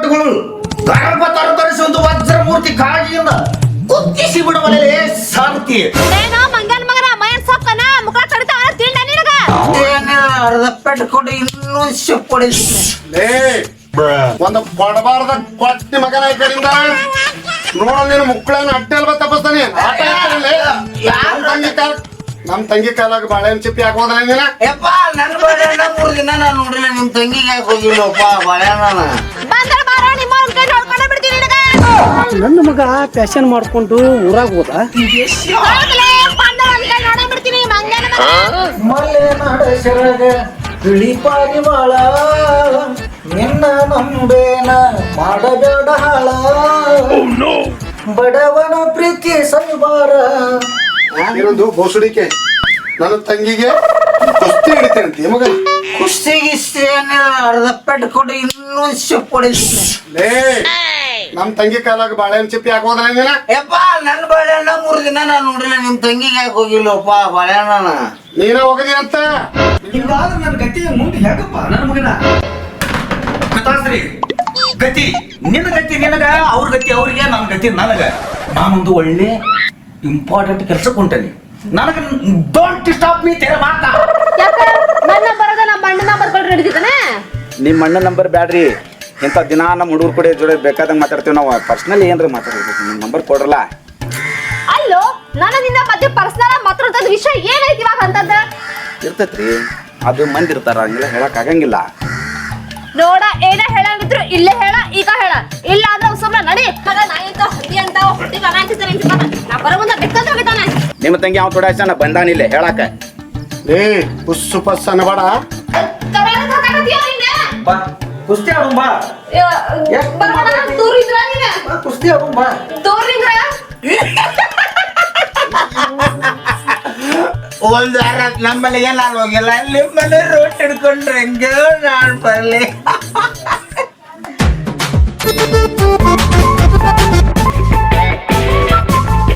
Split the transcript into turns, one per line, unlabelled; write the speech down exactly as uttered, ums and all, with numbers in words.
ಭಟ್ಗಳು ಗಣಪ ತರತರಿಸುವಂತ ವಜ್ರ ಮೂರ್ತಿ ಕಾಳಜಿಯಿಂದ ಕುತ್ತಿಸಿ ಬಿಡುವಲೆ ಶಾಂತಿ.
ಏನೋ ಮಂಗನ ಮಗನ ಮೈನ್ ಸೊಕ್ಕನ ಮುಖ ಕಡಿತಾವ ತಿಂಡ ನಿನಗ.
ಅರ್ಧ ಪೆಟ್ಟು ಕೊಡು ಇನ್ನೊಂದು ಶಿಪ್ ಕೊಡಿಸ್ತೀನಿ.
ಒಂದು ಕೊಡಬಾರ್ದ ಕೊಟ್ಟಿ ಮಗನ ಈ ಕಡೆಯಿಂದ ನೋಡ ನೀನು ಮುಕ್ಕಳನ್ನ ಅಟ್ಟೆ ಅಲ್ವಾ ತಪ್ಪಿಸ್ತಾನೆ. ಆಟ ನಮ್ ತಂಗಿ ಕಾಲ ನಮ್ ತಂಗಿ ಕಾಲಾಗ ಬಾಳೆಹಣ್ಣು ಚಿಪ್ಪಿ ಹಾಕೋದ್ರ ನೀನ.
ಯಪ್ಪ ನನ್ನ ಬಾಳೆಹಣ್ಣ ಮೂರು ದಿನ ನಾನು ನೋಡಿಲ್ಲ, ನಿಮ್ ತಂಗಿಗೆ ಯಾಕೆ ಹೋಗಿಲ್ಲಪ್ಪ ಬಾಳೆಹಣ್ಣ.
ಬಂದ್ರ ಬಾರ ನಿಮ್ಮ ಕೈ ನೋಡ್ಕೊಂಡ ಬಿಡ್ತೀನಿ ನಿನಗ.
ನನ್ನ ಮಗ ಫ್ಯಾಷನ್ ಮಾಡ್ಕೊಂಡು ಊರಾಗ ಹೋದ.
ಹೋಗ್ಲೇ ಬಂದ್ರ ಒಂದ್ ಕೈ ನೋಡ ಬಿಡ್ತೀನಿ ಮಂಗನ ಮಗ.
ಮಲೆ ನಾಡಸರಾಗ ಬಿಳಿ ಪಾರಿವಾಳ ನಿನ್ನ ನಂಬೇನ ಮಾಡಬೇಡ ಹಾಳ. ಬಡವನ ಪ್ರೀತಿ ಸೈವಾರ.
ಇನ್ನೊಂದು ಬೋಸುಡಿಕೆ ನನ್ನ ತಂಗಿಗೆ ಕುಸ್ತಿ ಹಿಡಿತೇನೆ ಅಂತ ಮಗ.
ಕುಸ್ತಿ ಗಿಸ್ತಿ ಅರ್ಧ ಪೆಟ್ಟು ಕೊಡು ಇನ್ನೊಂದು ಶಿಪ್ ಕೊಡಿಸ್ತೀನಿ.
ಲೇ ನಮ್ ತಂಗಿ ಕಾಲಾಗ ಬಾಳೆಹಣ್ಣು ಚಿಪ್ಪಿ ಹಾಕೋದ್ರ ನೀನ.
ಯಪ್ಪ ನನ್ನ ಬಾಳೆಹಣ್ಣ ಮೂರು ದಿನ ನಾನು ನೋಡಿಲ್ಲ, ನಿಮ್ ತಂಗಿಗೆ ಯಾಕೆ ಹೋಗಿಲ್ಲಪ್ಪ ಬಾಳೆಹಣ್ಣ.
ನೀನ ಹೋಗದಿ ಅಂತ
ಹಿಂಗಾದ್ರೆ ನನ್ನ ಗತಿ ಮುಂದೆ ಹೇಗಪ್ಪ ನನ್ನ ಮಗನ ಕತಾಸ್ರಿ ಗತಿ ನಿನ್ನ ಗತಿ ನಿನಗ, ಅವ್ರ ಗತಿ ಅವ್ರಿಗೆ, ನನ್ನ ಗತಿ ನನಗ. ನಾನೊಂದು ಒಳ್ಳೆ ಇಂಪಾರ್ಟೆಂಟ್ ಕೆಲಸಕ್ಕೆ ಹೊಂಟೇನಿ. ನನಗೆ ಡೋಂಟ್ ಸ್ಟಾಪ್ ಮೀ ತೆರೆ ಮಾತಾ.
ಯಾಕ ನನ್ನ ಬರದ ನಮ್ಮ ಅಣ್ಣ ನಂಬರ್ ಕೊಡ್ರಿ ಹಿಡಿದಿದ್ದಾನೆ.
ನಿಮ್ಮ ಅಣ್ಣ ನಂಬರ್ ಬ್ಯಾಡ್ರಿ, ಇಂಥ ದಿನ ನಮ್ಮ ಹುಡುಗರು ಕೂಡ ಜೋಡಿ ಬೇಕಾದಂಗೆ ಮಾತಾಡ್ತೀವಿ ನಾವು. ಪರ್ಸ್ನಲ್ ಏನ್ರಿ ಮಾತಾಡ್ಬೇಕು, ನಿಮ್ಮ ನಂಬರ್ ಕೊಡ್ರಲ್ಲ.
ಅಲ್ಲೋ ನನ್ನ ನಿನ್ನ ಮಧ್ಯೆ ಪರ್ಸನಲ್ ಮಾತಾಡೋದ್ ವಿಷಯ ಏನೈತಿ ಇವಾಗ ಅಂತಂದ
ಇರ್ತೈತ್ರಿ, ಅದು ಮಂದಿ ಇರ್ತಾರ, ಹಂಗೆಲ್ಲ ಹೇಳಕ್ ಆಗಂಗಿಲ್ಲ.
ನೋಡ ಏನ ಹೇಳಂಗಿದ್ರು ಇಲ್ಲೇ ಹೇಳ, ಈಗ ಹೇಳ, ಇಲ್ಲ ಅಂದ್ರೆ ಸುಮ್ಮನೆ ನಡಿ. ಮಗ ನಾಯಿ ಅಂತ ಹಂದಿ ಅಂತ ಹೊಟ್ಟಿ ಮಗ ಅಂತಿದ್ದಾನೆ ಅಂತಿದ್ದಾನೆ. ನಾ ಬರೋ ಮುಂದೆ ಬೆಕ್ಕಂತ ಹೋಗಿದ್ದಾನೆ.
ನಿಮ್ಮ ತಂಗಿ ಅವ್ನು ತೊಡಾಯ್ಸನ ಬಂದಾನಿಲ್ಲ ಹೇಳಾಕ.
ಏ ಪುಸ್ಸು ಪಸ್ ಅನ್ನಬೇಡ.
ಬಾ ಕುಸ್ತಿ ಆಡು ಬಾ.
ದೂರಿದ್ರ ನೀನ
ಕುಸ್ತಿ ಆಡು ಬಾ.
ದೂರಿದ್ರ
ಒಂದ್ ವಾರ ನಮ್ಮಲ್ಲಿಗೆ ನಾನು ಹೋಗಿಲ್ಲ, ನಿಮ್ಮಲ್ಲಿ ರೋಟ್ ಹಿಡ್ಕೊಂಡ್ರೆ ಹೆಂಗ ನಾನು ಬರ್ಲಿ.